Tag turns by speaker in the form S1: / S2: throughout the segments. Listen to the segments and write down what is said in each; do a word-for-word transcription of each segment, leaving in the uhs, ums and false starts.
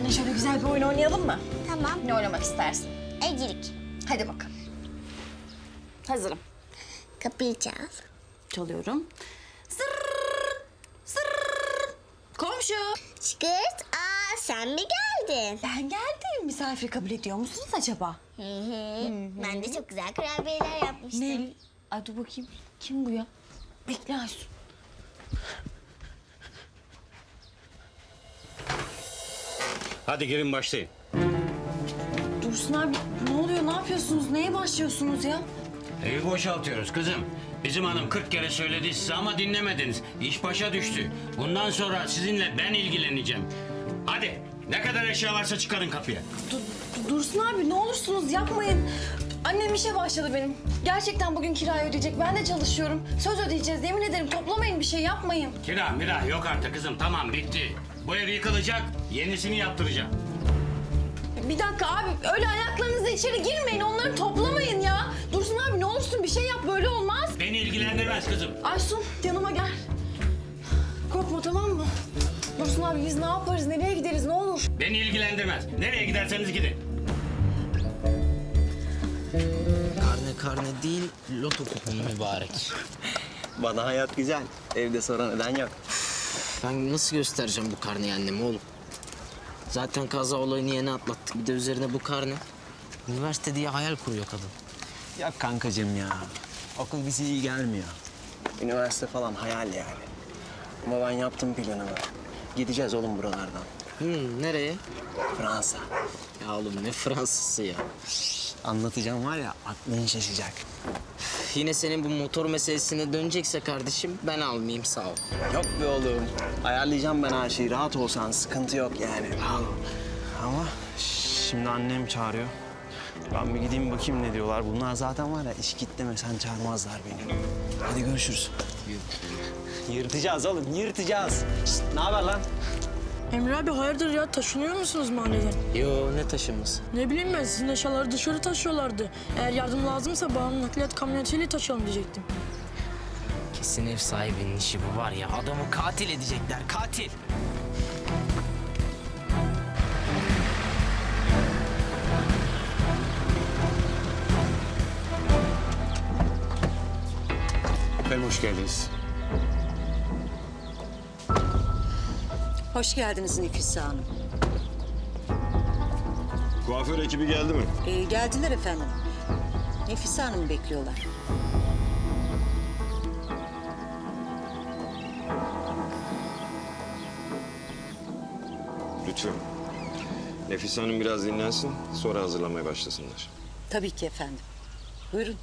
S1: Seninle şöyle güzel bir oyun oynayalım mı?
S2: Tamam.
S1: Ne oynamak istersin?
S2: Evcilik.
S1: Hadi bakalım. Hazırım.
S2: Kapıyı çal.
S1: Çalıyorum. Zırr, zırr. Komşu.
S2: Çıkırt. Aa sen mi geldin?
S1: Ben geldim. Misafir kabul ediyor musunuz acaba?
S2: Hı hı. Ben de çok güzel kurabiyeler yapmıştım.
S1: Ne? Ay dur bakayım. Kim bu ya? Bekle Aysun.
S3: Hadi girin başlayın.
S1: Dursun abi ne oluyor? Ne yapıyorsunuz? Neye başlıyorsunuz ya?
S3: Evi boşaltıyoruz kızım. Bizim hanım kırk kere söyledi size ama dinlemediniz. İş başa düştü. Bundan sonra sizinle ben ilgileneceğim. Hadi ne kadar eşya varsa çıkarın kapıya.
S1: Dur, Dursun abi ne olursunuz yapmayın. Annem işe başladı benim. Gerçekten bugün kirayı ödeyecek. Ben de çalışıyorum. Söz ödeyeceğiz. Yemin ederim toplamayın bir şey yapmayın.
S3: Kira mira yok artık kızım, tamam bitti. Bu ev yıkılacak, yenisini yaptıracağım.
S1: Bir dakika abi öyle ayaklarınızla içeri girmeyin. Onları toplamayın ya. Dursun abi ne olursun bir şey yap böyle olmaz.
S3: Beni ilgilendirmez kızım.
S1: Aysun yanıma gel. Korkma tamam mı? Dursun abi biz ne yaparız? Nereye gideriz ne olur?
S3: Beni ilgilendirmez. Nereye giderseniz gidin.
S4: Karne karne değil, loto kuponu mübarek.
S5: Bana hayat güzel. Evde sonra neden yok?
S4: Ben nasıl göstereceğim bu karneyi anneme oğlum? Zaten kaza olayını yeni atlattık. Bir de üzerine bu karne. Üniversite diye hayal kuruyor kadın.
S5: Ya kankacığım ya. Okul bize iyi gelmiyor. Üniversite falan hayal yani. Ama ben yaptım planımı. Gideceğiz oğlum buralardan.
S4: Hmm, nereye?
S5: Fransa.
S4: Ya oğlum ne Fransızı ya.
S5: Anlatacağım var ya aklın şaşacak.
S4: Yine senin bu motor meselesine dönecekse kardeşim ben almayayım sağ ol.
S5: Yok be oğlum. Ayarlayacağım ben her şeyi. Rahat olsan sıkıntı yok yani. Ama şimdi annem çağırıyor. Ben bir gideyim bakayım ne diyorlar. Bunlar zaten var ya iş git demesen çağırmazlar beni. Hadi görüşürüz. Yırtacağız oğlum, yırtacağız. Şişt, ne haber lan?
S6: Emre abi hayırdır ya taşınıyor musunuz mahalleden?
S4: Yo ne taşınması?
S6: Ne bileyim ben sizin eşyaları dışarı taşıyorlardı. Eğer yardım lazımsa bana nakliyat kamyonetiyle taşıyalım diyecektim.
S4: Kesin ev sahibinin işi bu var ya. Adamı katil edecekler katil.
S3: Efendim hoş geldiniz.
S7: Hoş geldiniz Nefise Hanım.
S8: Kuaför ekibi geldi mi?
S7: Ee, geldiler efendim. Nefise Hanım'ı bekliyorlar.
S8: Lütfen. Nefise Hanım biraz dinlensin, sonra hazırlanmaya başlasınlar.
S7: Tabii ki efendim. Buyurun.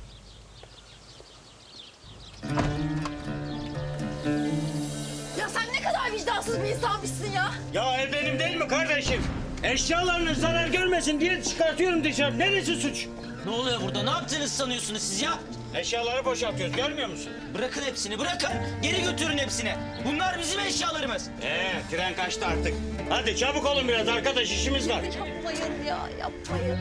S1: Ya sen ne kadar vicdansız bir insanmışsın ya.
S3: Ya ev benim değil mi kardeşim? Eşyalarınız zarar görmesin diye çıkartıyorum dışarı. Neresi suç?
S4: Ne oluyor burada? Ne yaptığınızı sanıyorsunuz siz ya?
S3: Eşyaları boşaltıyoruz, görmüyor musun?
S4: Bırakın hepsini bırakın. Geri götürün hepsini. Bunlar bizim eşyalarımız.
S3: Ee, tren kaçtı artık. Hadi çabuk olun biraz arkadaş, işimiz var.
S1: Yapmayın ya yapmayın.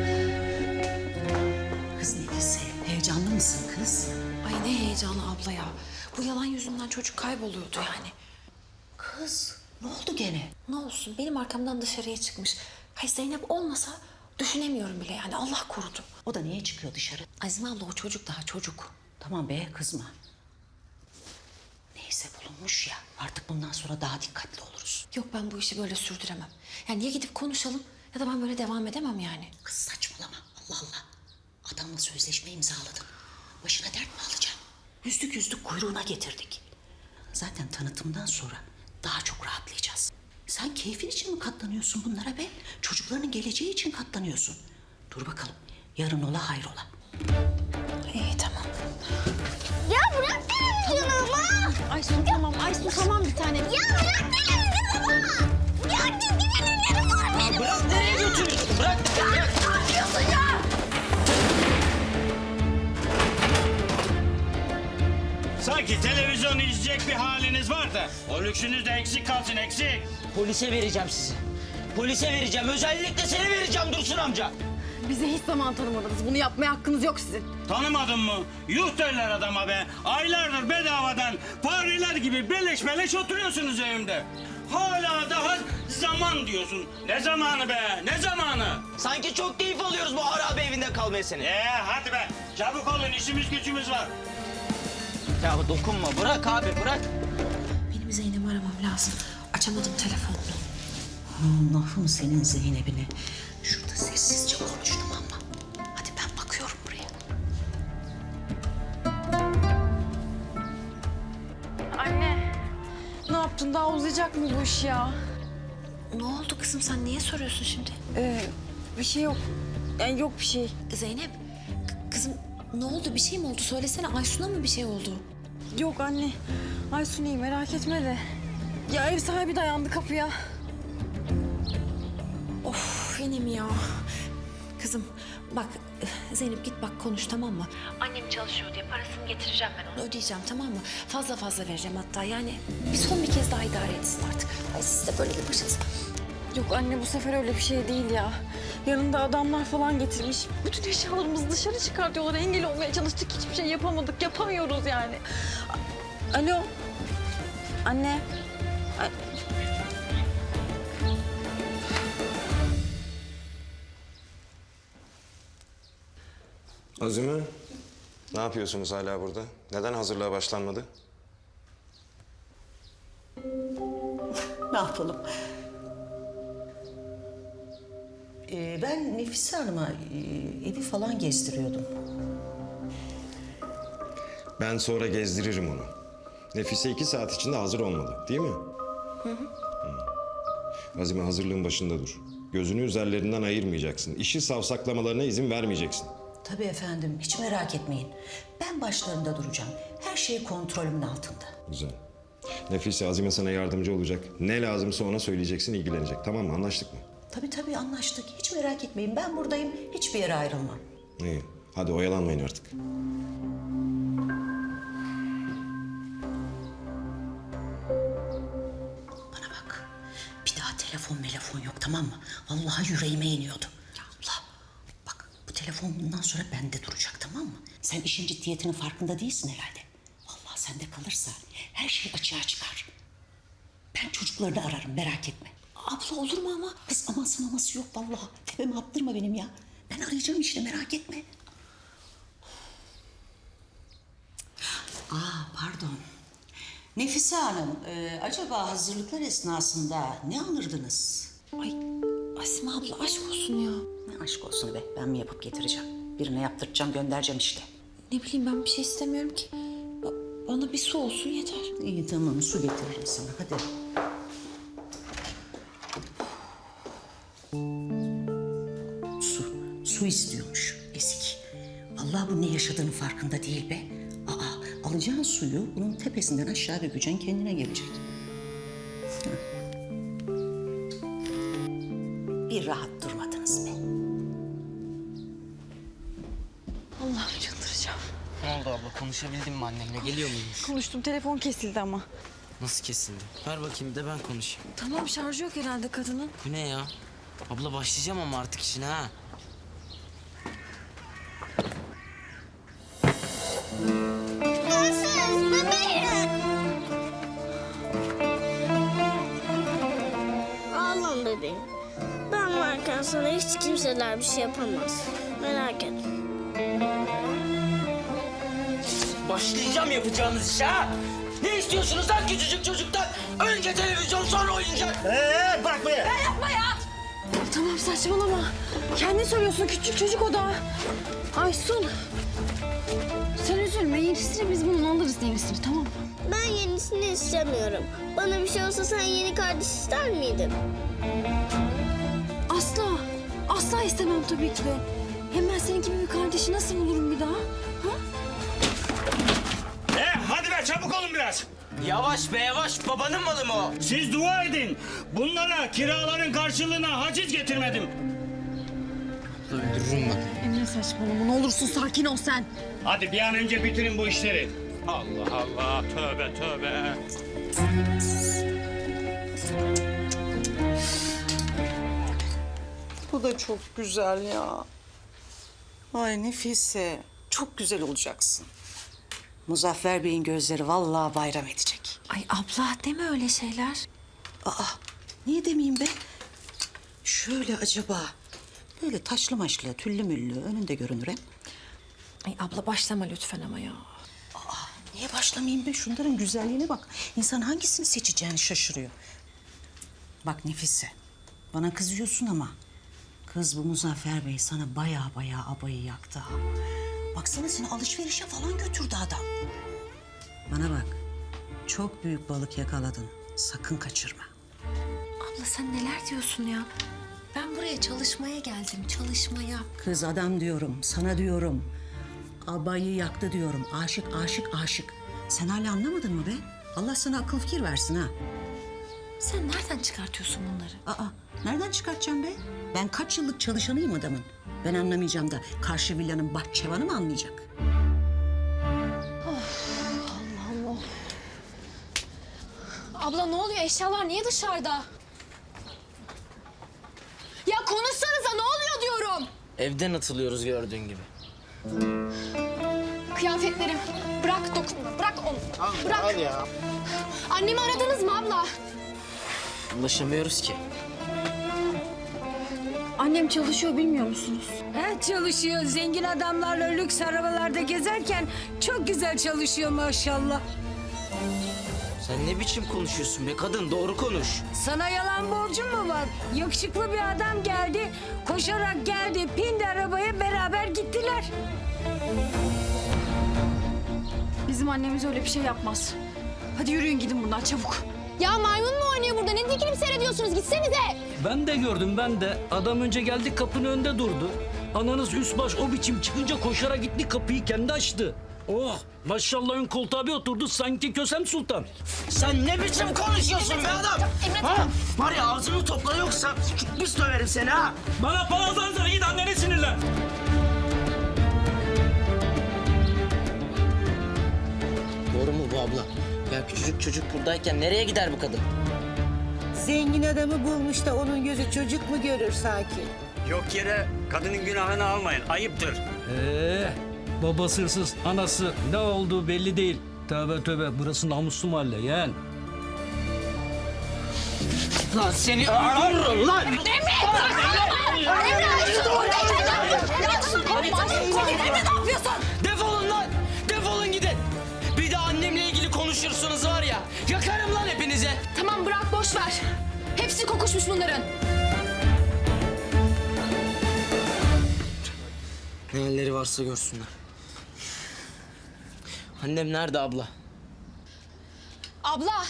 S7: Kız Nefise, heyecanlı mısın kız?
S9: Ay ne heyecanı abla ya. Bu yalan yüzünden çocuk kayboluyordu yani.
S7: Kız, ne oldu gene?
S9: Ne olsun benim arkamdan dışarıya çıkmış. Hay Zeynep olmasa düşünemiyorum bile yani Allah korudu.
S7: O da niye çıkıyor dışarı?
S9: Azime abla o çocuk daha çocuk.
S7: Tamam be, kızma. Neyse bulunmuş ya, artık bundan sonra daha dikkatli oluruz.
S9: Yok ben bu işi böyle sürdüremem. Yani ya gidip konuşalım ya da ben böyle devam edemem yani.
S7: Kız saçmalama, Allah Allah. Adamla sözleşme imzaladın. Başına dert mi alacaksın? Yüzdük yüzdük kuyruğuna getirdik. Zaten tanıtımdan sonra daha çok rahatlayacağız. Sen keyfin için mi katlanıyorsun bunlara be? Çocuklarının geleceği için katlanıyorsun. Dur bakalım, yarın ola hayrola.
S9: İyi tamam.
S2: Ya bırak televizyonumu.
S9: Aysun tamam Aysun tamam bir tane.
S2: Ya bırak televizyonumu. Ya çizgi filmlerim var benim.
S4: Bırak nereye götürüyorsun? Bırak.
S2: Ya ne yapıyorsun ya?
S3: Sanki televizyon izleyecek bir haliniz var da o lüksünüz de eksik kalsın, eksik.
S4: Polise vereceğim sizi. Polise vereceğim. Özellikle seni vereceğim Dursun amca.
S1: Bize hiç zaman tanımadınız. Bunu yapmaya hakkınız yok sizin.
S3: Tanımadın mı? Yuh derler adama be. Aylardır bedavadan fareler gibi beleş beleş oturuyorsunuz evimde. Hala daha Zaman diyorsun. Ne zamanı be? Ne zamanı?
S4: Sanki çok keyif alıyoruz bu harabe evinde kalmaya senin.
S3: Ee hadi be. Çabuk olun, işimiz gücümüz var.
S4: Ya dokunma, bırak abi, bırak.
S7: Benim Zeynep'i aramam lazım. Açamadım telefonunu. Allah'ım senin Zeynep'ini. Şurada sessizce konuştum ama. Hadi ben bakıyorum buraya.
S1: Anne. Ne yaptın? Daha uzayacak mı bu iş ya?
S9: Ne oldu kızım, sen niye soruyorsun şimdi?
S1: Ee, bir şey yok. Yani yok bir şey.
S9: Zeynep, k- kızım ne oldu? Bir şey mi oldu? Söylesene, Aysun'a mı bir şey oldu?
S1: Yok anne. Aysun iyi, merak etme de. Ya ev sahibi dayandı kapıya.
S9: Of, yine mi ya? Kızım bak, Zeynep git bak konuş, tamam mı? Annem çalışıyor diye parasını getireceğim ben onu. Ödeyeceğim, tamam mı? Fazla fazla vereceğim hatta, yani bir son bir kez daha idare etsin artık. Ay siz de böyle bir başınıza.
S1: Yok anne, bu sefer öyle bir şey değil ya. Yanında adamlar falan getirmiş. Bütün eşyalarımızı dışarı çıkartıyorlar. Engel olmaya çalıştık. Hiçbir şey yapamadık. Yapamıyoruz yani. A- Alo. Anne. A-
S8: Azime, ne yapıyorsunuz hala burada? Neden hazırlığa başlanmadı?
S7: Ne yapalım? Ee, ben Nefise Hanım'a e, evi falan gezdiriyordum.
S8: Ben sonra gezdiririm onu. Nefise iki saat içinde hazır olmalı, değil mi? Hı hı. Azime, hazırlığın başında dur. Gözünü üzerlerinden ayırmayacaksın. İşi savsaklamalarına izin vermeyeceksin.
S7: Tabii efendim, hiç merak etmeyin. Ben başlarında duracağım. Her şey kontrolümün altında.
S8: Güzel. Nefise, Azime sana yardımcı olacak. Ne lazımsa ona söyleyeceksin, ilgilenecek. Tamam mı? Anlaştık mı?
S7: Tabii tabii anlaştık. Hiç merak etmeyin. Ben buradayım. Hiçbir yere ayrılmam.
S8: İyi. Hadi oyalanmayın artık.
S7: Bana bak. Bir daha telefon telefon yok, tamam mı? Vallahi yüreğime iniyordu. Ya abla bak, bu telefon bundan sonra bende duracak, tamam mı? Sen işin ciddiyetinin farkında değilsin herhalde. Vallahi sende kalırsa her şey açığa çıkar. Ben çocuklarını ararım, merak etme.
S9: Abla olur mu ama?
S7: Kız aması maması yok vallahi. Tepeme attırma benim ya. Ben arayacağım işte, merak etme. Aa pardon. Nefise Hanım, e, acaba hazırlıklar esnasında ne alırdınız?
S9: Ay Asime abla aşk olsun ya.
S7: Ne aşk olsun be, ben mi yapıp getireceğim? Birine yaptıracağım, göndereceğim işte.
S9: Ne bileyim, ben bir şey istemiyorum ki. Ba- Bana bir su olsun yeter.
S7: İyi tamam, su getiririm sana, hadi. Su, su istiyormuş ezik. Allah bu ne yaşadığının farkında değil be. Aa, alacağın suyu bunun tepesinden aşağı dökeceksin, kendine gelecek. Hı. Bir rahat durmadınız be.
S1: Allah'ım çıldıracağım.
S4: Ne oldu abla, konuşabildin mi annemle? Geliyor muymuş?
S1: Konuştum, telefon kesildi ama.
S4: Nasıl kesildi? Ver bakayım, bir de ben konuşayım.
S1: Tamam, şarjı yok herhalde kadının.
S4: Bu ne ya? Abla başlayacağım ama artık işine ha.
S2: Hırsız bebeğim. Ağlam bebeğim. Ben varken sana hiç kimseler bir şey yapamaz. Merak etme.
S4: Başlayacağım yapacağınız işe ha. Ne istiyorsunuz lan küçücük çocuktan? Önce televizyon, sonra oyuncak.
S5: Ee, bırak be.
S1: Tamam, saçmalama. Kendin söylüyorsun, küçük çocuk o da. Aysun. Sen üzülme, yenisini biz bunun alırız, yenisini, tamam mı?
S2: Ben yenisini istemiyorum. Bana bir şey olsa sen yeni kardeş ister miydin?
S1: Asla. Asla istemem tabii ki de. Hem ben senin gibi bir kardeşi nasıl bulurum bir daha? Ha?
S3: Ee, hadi be, çabuk olun biraz.
S4: Yavaş be yavaş, babanın malı mı o?
S3: Siz dua edin. Bunlara kiraların karşılığına haciz getirmedim.
S4: Öldürürüm ben.
S1: Emre saçmalama, ne olursun sakin ol sen.
S3: Hadi bir an önce bitirin bu işleri. Allah Allah, tövbe tövbe.
S7: Bu da çok güzel ya. Ay Nefise, çok güzel olacaksın. Muzaffer Bey'in gözleri vallahi bayram edecek.
S9: Ay abla deme öyle şeyler.
S7: Aa, Niye demeyeyim be? Şöyle acaba. Böyle taşlı maşlı, tüllü müllü önünde görünür hem.
S9: Ay abla başlama lütfen ama ya.
S7: Niye başlamayayım be? Şunların güzelliğine bak. İnsan hangisini seçeceğini şaşırıyor. Bak Nefise, bana kızıyorsun ama... ...kız bu Muzaffer Bey sana baya baya abayı yaktı ha. Baksana seni alışverişe falan götürdü adam. Bana bak, çok büyük balık yakaladın. Sakın kaçırma.
S9: Abla sen neler diyorsun ya? Ben buraya çalışmaya geldim, çalışmaya.
S7: Kız adam diyorum, sana diyorum. Abayı yaktı diyorum. Aşık, aşık, aşık. Sen hala anlamadın mı be? Allah sana akıl fikir versin ha.
S9: Sen nereden çıkartıyorsun bunları?
S7: Aa, nereden çıkartacağım be? Ben kaç yıllık çalışanıyım adamın. Ben anlamayacağım da karşı villanın bahçıvanı mı anlayacak?
S1: Abla ne oluyor? Eşyalar niye dışarıda? Ya konuşsanıza ne oluyor diyorum.
S4: Evden atılıyoruz gördüğün gibi.
S1: Kıyafetlerim. Bırak dokunma. Bırak onu. Bırak. Ya. Annemi aradınız mı abla?
S4: Ulaşamıyoruz ki.
S1: Annem çalışıyor bilmiyor musunuz?
S10: He, çalışıyor. Zengin adamlarla lüks arabalarda gezerken çok güzel çalışıyor maşallah.
S4: Sen ne biçim konuşuyorsun be kadın? Doğru konuş.
S10: Sana yalan borcum mu var? Yakışıklı bir adam geldi, koşarak geldi, pindi arabaya beraber gittiler.
S1: Bizim annemiz öyle bir şey yapmaz. Hadi yürüyün gidin bundan çabuk. Ya maymun mu oynuyor burada? Ne dikilip seyrediyorsunuz? Gitsenize.
S11: Ben de gördüm ben de. Adam önce geldi kapının önünde durdu. Ananız üst baş o biçim çıkınca koşarak gitti kapıyı kendi açtı. Oh maşallah ön koltuğa bir oturdu sanki Kösem Sultan.
S4: Sen ne biçim konuşuyorsun be adam? Ha? Var ya ağzını topla yoksa biz döverim seni ha.
S11: Bana palazanzara git anneni sinirlen.
S4: Doğru mu bu abla? Ya küçücük çocuk buradayken nereye gider bu kadın?
S7: Zengin adamı bulmuş da onun gözü çocuk mu görür sanki?
S3: Yok yere kadının günahını almayın. Ayıptır.
S11: Ee, babası hırsız, anası ne olduğu belli değil. Tövbe tövbe burası namuslu mahalle yeğen.
S4: Lan seni öldürürüm lan! Defolun lan! Defolun gidin! Bir de annemle ilgili konuşursunuz var ya, yakarım lan hepinize!
S1: Tamam bırak boş ver. Hepsi kokuşmuş bunların.
S4: Ne halleri varsa görsünler. Annem nerede abla?
S1: Abla.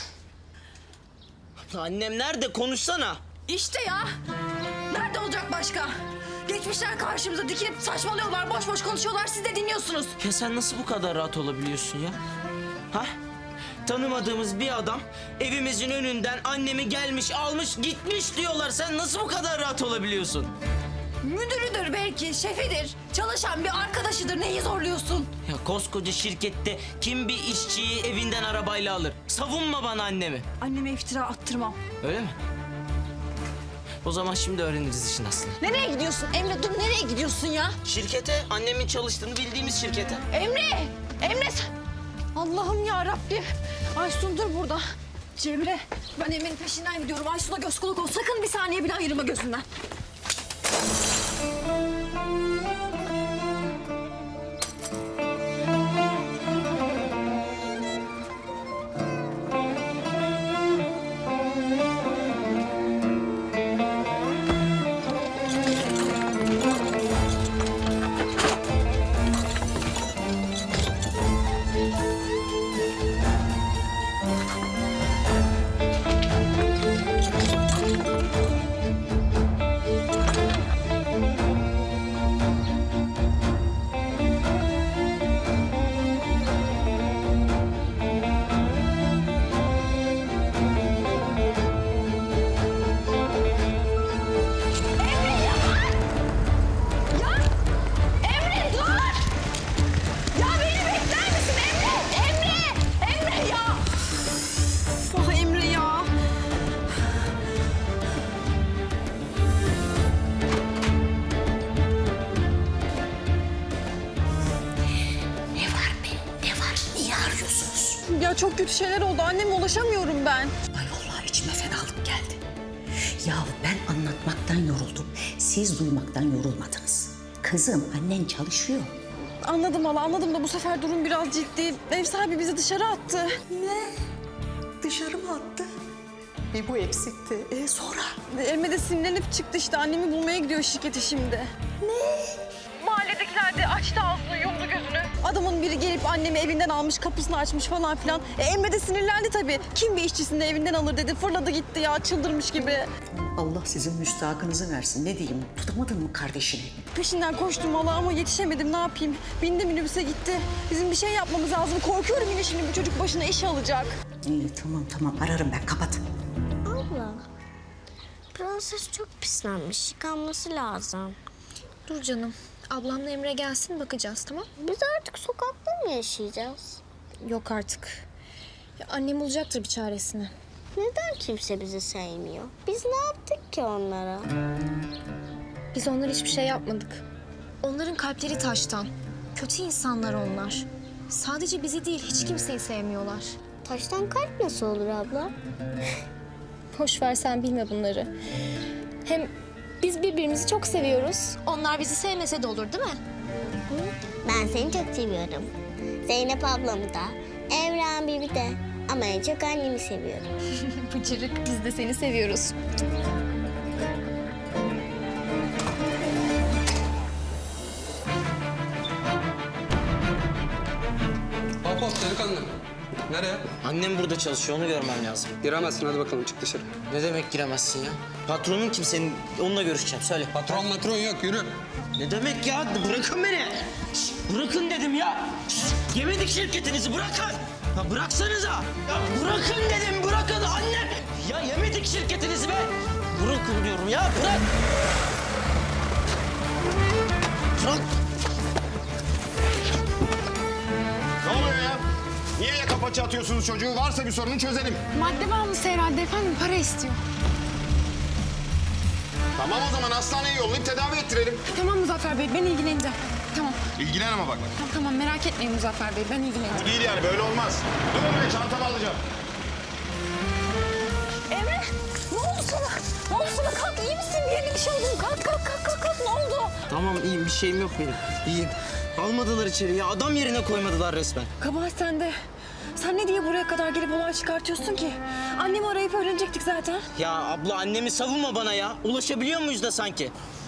S4: Abla annem nerede? Konuşsana!
S9: İşte ya. Nerede olacak başka? Geçmişler karşımıza dikilip saçmalıyorlar, boş boş konuşuyorlar. Siz de dinliyorsunuz.
S4: Ya sen nasıl bu kadar rahat olabiliyorsun ya? Ha? Tanımadığımız bir adam evimizin önünden annemi gelmiş, almış, gitmiş diyorlar. Sen nasıl bu kadar rahat olabiliyorsun?
S9: Müdürüdür belki, şefidir. Çalışan bir arkadaşıdır. Neyi zorluyorsun?
S4: Ya koskoca şirkette kim bir işçiyi evinden arabayla alır? Savunma bana annemi.
S1: Anneme iftira attırmam.
S4: Öyle mi? O zaman şimdi öğreniriz işin aslını.
S1: Nereye gidiyorsun? Emre dur nereye gidiyorsun ya?
S4: Şirkete, annemin çalıştığını bildiğimiz şirkete.
S1: Emre! Emre sen... Allah'ım ya Rabbim. Aysun dur burada. Cemre ben Emre'nin peşinden gidiyorum. Aysun'a göz kulak ol. Sakın bir saniye bile ayırma gözünden. Ya çok kötü şeyler oldu. Anneme ulaşamıyorum ben.
S7: Ay vallahi içime fenalık geldi. duymaktan yoruldum. Siz duymaktan yorulmadınız. Kızım, annen çalışıyor.
S1: Anladım hala, anladım da bu sefer durum biraz ciddi. Ev sahibi bizi dışarı attı.
S7: Ne? Dışarı mı attı? Bir bu eksikti. E sonra?
S1: Elime de sinirlenip çıktı işte. Annemi bulmaya gidiyor şirkete şimdi.
S7: Ne?
S1: Mahalledekiler de açtı ağzını, yumdu gözünü. Adamın biri gelip annemi evinden almış, kapısını açmış falan filan. E, Emre de sinirlendi tabii. Kim bir işçisini de evinden alır dedi. Fırladı gitti ya, çıldırmış gibi.
S7: Allah sizin müstahakınızı versin. Ne diyeyim? Tutamadın mı kardeşini?
S1: Peşinden koştum valla ama yetişemedim, ne yapayım? Bindi minibüse gitti. Bizim bir şey yapmamız lazım. Korkuyorum yine şimdi bu çocuk başına iş alacak.
S7: İyi tamam tamam ararım ben. Kapat.
S2: Abla, prenses çok pislenmiş. Yıkanması lazım.
S9: Dur canım. Ablamla Emre gelsin bakacağız tamam?
S2: Biz artık sokakta mı yaşayacağız?
S9: Yok artık. Ya annem bulacaktır bir çaresini.
S2: Neden kimse bizi sevmiyor? Biz ne yaptık ki onlara?
S9: Biz onlara hiçbir şey yapmadık. Onların kalpleri taştan. Kötü insanlar onlar. Sadece bizi değil hiç kimseyi sevmiyorlar.
S2: Taştan kalp nasıl olur abla?
S9: Boş ver sen bilme bunları. Hem biz birbirimizi çok seviyoruz. Onlar bizi sevmese de olur değil mi?
S2: Ben seni çok seviyorum. Zeynep ablamı da, Emre abimi de. Ama en çok annemi seviyorum.
S9: Bıcırık biz de seni seviyoruz.
S12: Hop hop delikanlı. Nereye?
S4: Annem burada çalışıyor, onu görmem lazım.
S12: Giremezsin, hadi bakalım çık dışarı.
S4: Ne demek giremezsin ya? Patronun kim senin? Onunla görüşeceğim, söyle.
S12: Patron matron yok, yürü.
S4: Ne demek ya? Bırakın beni. Şişt, bırakın dedim ya. Şişt, yemedik şirketinizi, bırakın. Ya bıraksanıza. Ya bırakın dedim, bırakın anne. Ya yemedik şirketinizi be. Bırakın diyorum ya, bırak. Bırak.
S8: Ne oluyor ya? Niye yaka paça atıyorsunuz çocuğu? Varsa bir sorunu çözelim.
S1: Madde bağımlısı herhalde efendim, para istiyor.
S8: Tamam o zaman hastaneye yollayıp tedavi ettirelim.
S1: Tamam Muzaffer Bey, ben ilgileneceğim. Tamam,
S8: İlgilen ama bak.
S1: tamam, tamam merak etmeyin Muzaffer Bey, ben ilgileneceğim.
S8: Bu değil yani böyle olmaz. Dur be çantamı alacağım.
S1: Emre, ne oldu sana? Ne oldu sana? Kalk, iyi misin? Bir yerine bir şey oldu mu? Kalk, kalk, kalk, kalk, kalk. Ne oldu?
S4: Tamam iyiyim, bir şeyim yok benim. İyiyim. Almadılar içeri ya, adam yerine koymadılar resmen.
S1: Kabahat sende. Sen ne diye buraya kadar gelip olay çıkartıyorsun ki? Annemi arayıp öğrenecektik zaten.
S4: Ya abla annemi savunma bana ya. Ulaşabiliyor muyuz da sanki?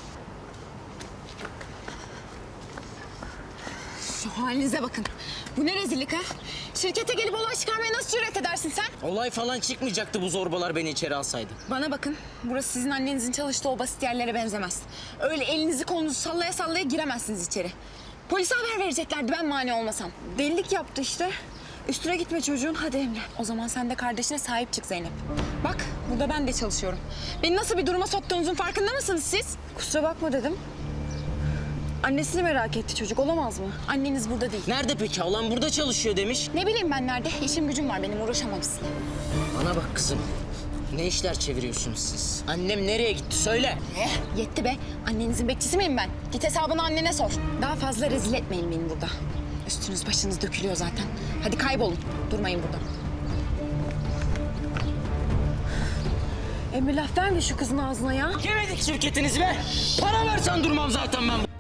S1: Şu halinize bakın. Bu ne rezillik ha? Şirkete gelip olay çıkarmaya nasıl cüret edersin sen?
S4: Olay falan çıkmayacaktı bu zorbalar beni içeri alsaydı.
S1: Bana bakın. Burası sizin annenizin çalıştığı o basit yerlere benzemez. Öyle elinizi kolunuzu sallaya sallaya giremezsiniz içeri. Polise haber vereceklerdi ben mani olmasam. Delilik yaptı işte. Üstüne gitme çocuğun. Hadi Emre. O zaman sen de kardeşine sahip çık Zeynep. Bak burada ben de çalışıyorum. Beni nasıl bir duruma soktuğunuzun farkında mısınız siz? Kusura bakma dedim. Annesini merak etti çocuk, olamaz mı? Anneniz burada değil.
S4: Nerede peki? Alan burada çalışıyor demiş.
S1: Ne bileyim ben nerede? İşim gücüm var benim, uğraşamam sizinle.
S4: Bana bak kızım. Ne işler çeviriyorsunuz siz? Annem nereye gitti söyle.
S1: Eh, yetti be. Annenizin bekçisi miyim ben? Git hesabını annene sor. Daha fazla rezil etmeyin beni burada. Üstünüz başınız dökülüyor zaten. Hadi kaybolun. Durmayın burada. Emre laf verme şu kızın ağzına ya.
S4: Yemedik şirketinizi be. Para versen durmam zaten ben.